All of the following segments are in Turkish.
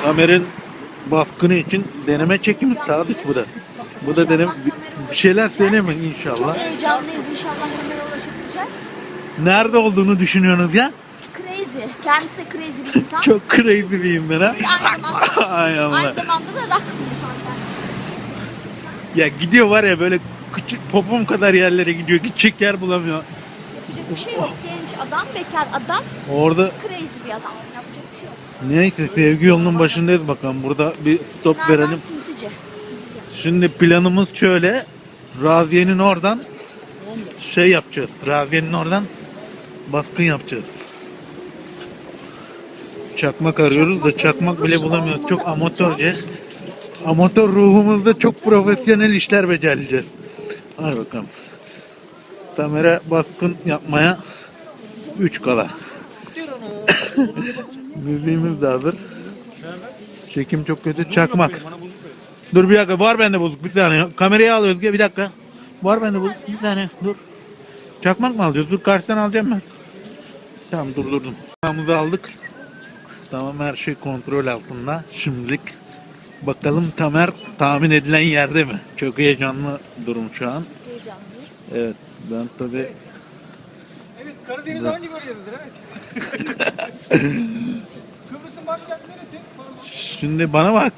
Kamer'in baskını için deneme çekimi Sadıç bu da. Bu da deneme bir şeyler deneme Çok inşallah. heyecanlıyız. İnşallah Ömer'e ulaşabileceğiz. Nerede olduğunu düşünüyorsunuz ya? Crazy. Kendisi de crazy bir insan. Çok crazy biriyim ben ha. Aynı zamanda, Ay Allah. aynı zamanda da rock bir insan kendisi. Ya gidiyor var ya böyle küçük popom kadar yerlere gidiyor. Gidecek yer bulamıyor. Yapacak bir şey yok. Genç adam, bekar adam, Orada crazy bir adam. Yapacak bir şey yok. neyse sevgi yolunun başındayız bakalım. Burada bir stop Nereden verelim. sinsice. Şimdi planımız şöyle. Raziye'nin oradan şey yapacağız. Raziye'nin oradan baskın yapacağız. Çakmak arıyoruz da çakmak bile bulamıyoruz. Çok amatörce. Amatör ruhumuzda çok profesyonel işler becereceğiz. Hadi bakalım. Kamera baskın yapmaya 3 kala. Müziğimiz de hazır. Çekim çok kötü. Çakmak. Dur bir dakika. Var bende bozuk. Bir saniye. Kamerayı al Özge. Bir dakika. Var bende bozuk. Bir saniye. Dur. Çakmak mı alacağız? Dur karşıdan alacağım ben. Tamam durdurdum. Çakmağımızı aldık. Tamam her şey kontrol altında. Şimdilik bakalım Tamer tahmin edilen yerde mi? Çok heyecanlı durum şu an. Heyecanlıyız. Evet ben tabii Evet, Karadeniz hangi bölgededir? Evet. Kıbrıs'ın başkenti neresi? şimdi bana bak.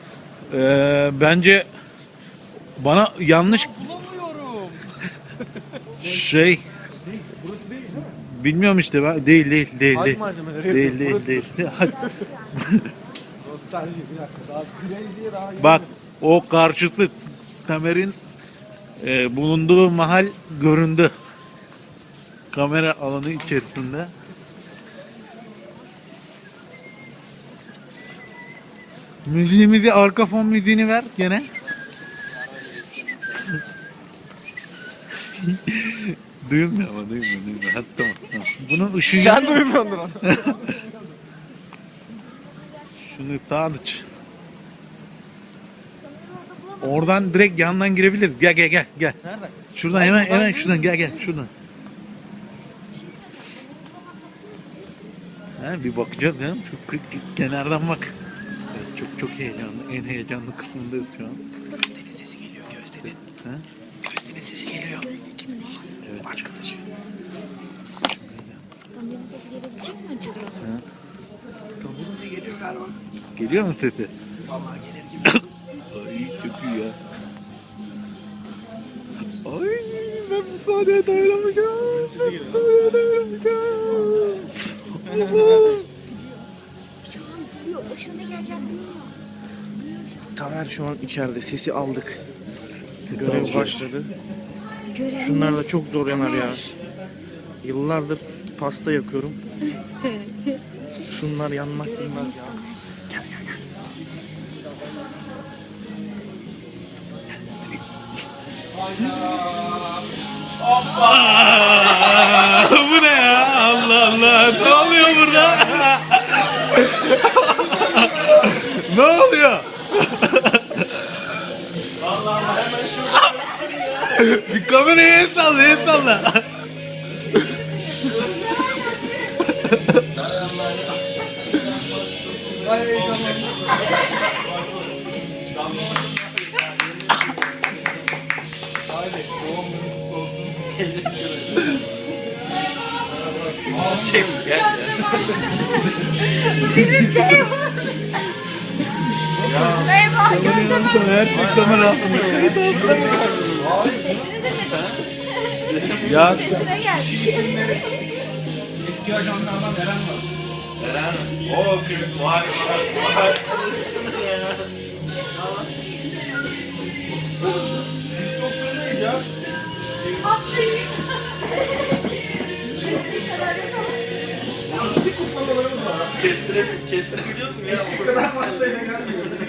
Bence bana yanlış Bulamıyorum. şey Burası değil mi? bilmiyorum işte ben değil. Hac malzemeleri Değil yapıyor. değil Burası. değil. Nostalji bir dakika. Daha Crazy'ye daha yeni. Bak o karşıtı Tamer'in bulunduğu mahal göründü. Kamera alanı içerisinde. Müziğimizi arka fon müziğini ver gene. Duyulmuyor ama duyulmuyor. Hadi tamam. Bunun ışığı... Sen duymuyordur onu. Şunu Sadıç. Oradan direkt yandan girebiliriz. Gel. Nereden? Şuradan hemen şuradan gel şuradan. Ha, bir bakacağız ya. Çok kenardan bak. Evet, çok heyecanlı. En heyecanlı kısmındayız şu an. Gözde'nin sesi geliyor, Gözde'nin. Ha? Gözde'nin sesi geliyor. Gözde kim ne? Evet. Arkadaşı. Tamer'in sesi gelebilecek mi acaba? Bunun ne geliyor galiba? Geliyor mu sesi? Vallahi gelir gibi. Ay çok iyi ya. Ay ben bu sahneye dayanamayacağım. Sesi geliyor. Şu an biliyor. Başına ne geleceğini bilmiyor. Tamer şu an içeride. Sesi aldık. Görev başladı. Görevimiz Şunlar da çok zor yanar ya. Tamer. Yıllardır pasta yakıyorum. Şunlar yanmak bilmez Görevimiz ya. Tamer. Bu ne ya? Allah Allah. Ne oluyor burada? Ne oluyor? Bir kameraya el salla. Merhaba Gözde ben. Her şey kamera altında. Sesini dinledim. Ya Sesine geldik. Eski ajanlardan Eren var. Eren, o gün vay. Biz çok fırındayız ya. Kestirebiliyor musun ya? Bu kadar pastayla gelmiyor.